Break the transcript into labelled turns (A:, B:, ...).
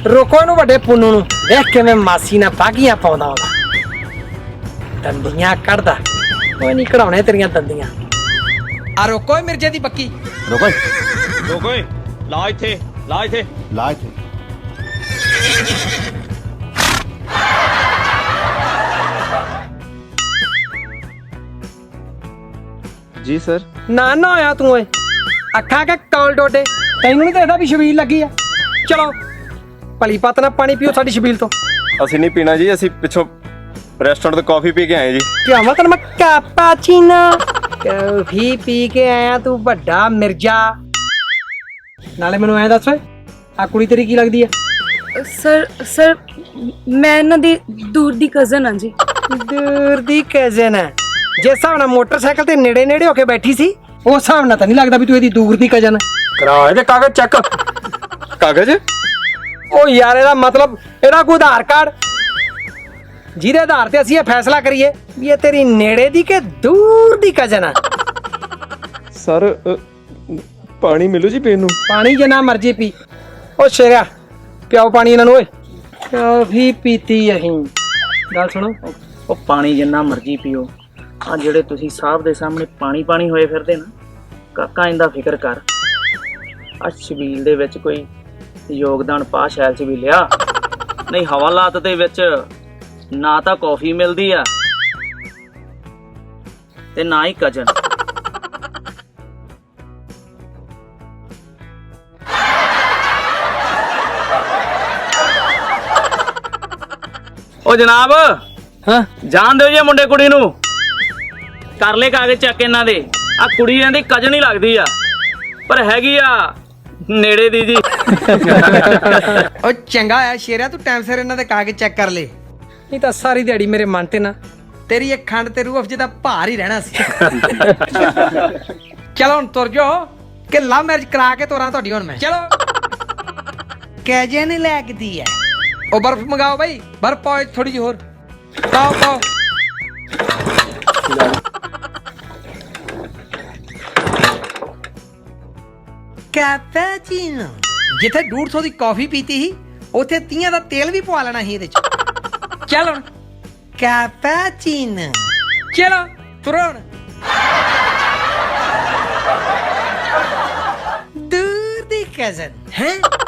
A: ਰੋਕੋ ਇਹਨੂੰ ਵੱਡੇ ਪੁੰਨੂ ਨੂੰ। ਦੇਖ ਕਿਵੇਂ ਮਾਸੀ ਨਾਲ ਬਾਗੀਆਂ ਪਾਉਂਦਾ ਉਹਦਾ, ਦੰਦੀਆਂ ਕੱਢਦਾ। ਕੋਈ ਨਹੀਂ ਕਢਾਉਣੇ ਤੇਰੀਆਂ ਦੰਦੀਆਂ। ਆ ਰੋਕੋ ਮਿਰਜੇ ਦੀ ਬੱਕੀ।
B: ਰੁਕੋ
C: ਰੁਕੋ ਲਾ ਇੱਥੇ ਲਾ ਇੱਥੇ
B: ਲਾ ਇੱਥੇ।
C: ਜੀ ਸਰ।
A: ਨਾ ਨਾ ਹੋਇਆ ਤੂੰ ਓਏ, ਅੱਖਾਂ ਕੇ ਕੌਲ ਡੋਡੇ। ਤੈਨੂੰ ਨਹੀਂ ਦੇਖਦਾ ਵੀ ਛਬੀਲ ਲੱਗੀ ਆ? ਚਲੋ ਭਲੀ ਪਤ ਨਾਲ ਪਾਣੀ ਪੀਓ ਸਾਡੀ ਛਬੀਲ ਤੋਂ।
C: ਅਸੀਂ ਨਹੀਂ ਪੀਣਾ ਜੀ, ਅਸੀਂ ਪਿੱਛੋਂ ਰੈਸਟੋਰੈਂਟ ਤੋਂ ਕਾਫੀ ਪੀ ਕੇ ਆਏ ਜੀ।
A: ਕਿਉਂ ਮੈਂ ਤੈਨੂੰ ਮੈਂ ਕਾਪਾਚੀਨੋ ਕਾਫੀ ਪੀ ਕੇ ਆਇਆ ਤੂੰ ਵੱਡਾ ਮਿਰਜ਼ਾ। ਨਾਲੇ ਮੈਨੂੰ ਐਂ ਦੱਸ ਓਏ, ਆ ਕੁੜੀ ਤੇਰੀ ਕੀ ਲੱਗਦੀ ਆ?
D: ਸਰ ਮੈਂ ਇਹਨਾਂ ਦੀ ਦੂਰ ਦੀ ਕਜ਼ਨ ਹਾਂ ਜੀ।
A: ਦੂਰ ਦੀ ਕਜ਼ਨ ਹੈ? ਜਿਸ ਹਿਸਾਬ ਨਾਲ ਮੋਟਰਸਾਈਕਲ ਤੇ ਨੇੜੇ ਨੇੜੇ ਹੋ ਕੇ ਬੈਠੀ ਸੀ, ਉਸ ਹਿਸਾਬ ਨਾਲ ਤਾਂ ਨਹੀਂ ਲੱਗਦਾ ਵੀ ਤੂੰ ਇਹਦੀ ਦੂਰ ਦੀ ਕਜ਼ਨ ਹੈ। ਕਰਾ ਇਹਦੇ ਕਾਗਜ਼ ਚੈੱਕ।
C: ਕਾਗਜ਼?
A: ਉਹ ਯਾਰ ਇਹਦਾ ਮਤਲਬ ਇਹਦਾ ਕੋਈ ਆਧਾਰ ਕਾਰਡ, ਜਿਹਦੇ ਆਧਾਰ ਤੇ ਅਸੀਂ ਇਹ ਫੈਸਲਾ ਕਰੀਏ ਵੀ ਇਹ ਤੇਰੀ ਨੇੜੇ ਦੀ ਕਿ ਦੂਰ ਦੀ ਕਜ਼ਨ ਹੈ।
C: ਸਰ ਪਾਣੀ ਮਿਲੂ ਜੀ ਪੀਣ ਨੂੰ?
A: ਪਾਣੀ ਜਿੰਨਾ ਮਰਜ਼ੀ ਪੀ। ਉਹ ਸ਼ੇਰਿਆ ਪਿਆਓ ਪਾਣੀ ਇਹਨਾਂ ਨੂੰ ਓਏ। ਕਾਫੀ ਪੀਤੀ ਅਸੀਂ। ਗੱਲ ਸੁਣੋ,
E: ਉਹ ਪਾਣੀ ਜਿੰਨਾ ਮਰਜ਼ੀ ਪੀਓ। ਆ ਜਿਹੜੇ ਤੁਸੀਂ ਸਾਹਿਬ ਦੇ ਸਾਹਮਣੇ ਪਾਣੀ ਹੋਏ ਫਿਰਦੇ ਨਾ, ਕਾਕਾ ਇਹਦਾ ਫਿਕਰ ਕਰ। ਆ ਛਬੀਲ ਦੇ ਵਿੱਚ ਕੋਈ ਯੋਗਦਾਨ ਪਾ ਸ਼ੈਲ ਛਬੀਲਿਆ, ਨਹੀਂ ਹਵਾਲਾਤ ਦੇ ਵਿੱਚ ਨਾ ਤਾਂ ਕੌਫੀ ਮਿਲਦੀ ਆ ਤੇ ਨਾ ਹੀ ਕਜਨ। ਉਹ ਜਨਾਬ,
A: ਹਾਂ
E: ਜਾਣ ਦਿਓ ਜੀ ਮੁੰਡੇ ਕੁੜੀ ਨੂੰ। ਕਰ ਲੈ ਕਾਗਜ਼ ਚੱਕ ਇਹਨਾਂ ਦੇ। ਆ ਕੁੜੀ ਇਹਨਾਂ ਦੀ ਕਜਨ ਹੀ ਲੱਗਦੀ ਆ, ਪਰ ਹੈਗੀ ਆ ਨੇੜੇ ਦੀ ਜੀ।
A: ਉਹ ਚੰਗਾ ਆ ਸ਼ੇਰਿਆ, ਤੂੰ ਟਾਈਮ ਸਿਰ ਇਹਨਾਂ ਦੇ ਕਾਗਜ਼ ਚੈੱਕ ਕਰ ਲੈ, ਨਹੀਂ ਤਾਂ ਸਾਰੀ ਦਿਹਾੜੀ ਮੇਰੇ ਮਨ ਤੇ ਨਾ ਤੇਰੀ ਇੱਕ ਖੰਡ ਤੇ ਰੂਹ ਅਫਜੇ ਦਾ ਭਾਰ ਹੀ ਰਹਿਣਾ ਸੀ। ਚਲੋ ਹੁਣ ਤੁਰ ਜਾਓ ਕਿ ਲਵ ਮੈਰਿਜ ਕਰਾ ਕੇ ਤੋਰਾਂ ਤੁਹਾਡੀ। ਹੁਣ ਮੈਂ ਚਲੋ ਕੈਜੇ ਨਹੀਂ ਲੱਗਦੀ ਐ। ਉਹ ਬਰਫ ਮੰਗਾਓ ਬਾਈ, ਬਰਫ ਪਾਓ ਥੋੜੀ ਜਿਹੀ ਹੋਰ। ਪਾਓ ਕੈਪੈਚੀਨੋ। ਜਿੱਥੇ 150 ਦੀ ਕਾਫੀ ਪੀਤੀ ਸੀ, ਉੱਥੇ 30 ਦਾ ਤੇਲ ਵੀ ਪਵਾ ਲੈਣਾ ਸੀ ਇਹਦੇ ਚ। ਚੱਲ ਹੁਣ ਕੈਪੈਚੀਨੋ। ਚਲੋ ਤੁਰੋ ਹੁਣ। ਦੂਰ ਦੀ ਕਜ਼ਨ ਹੈ।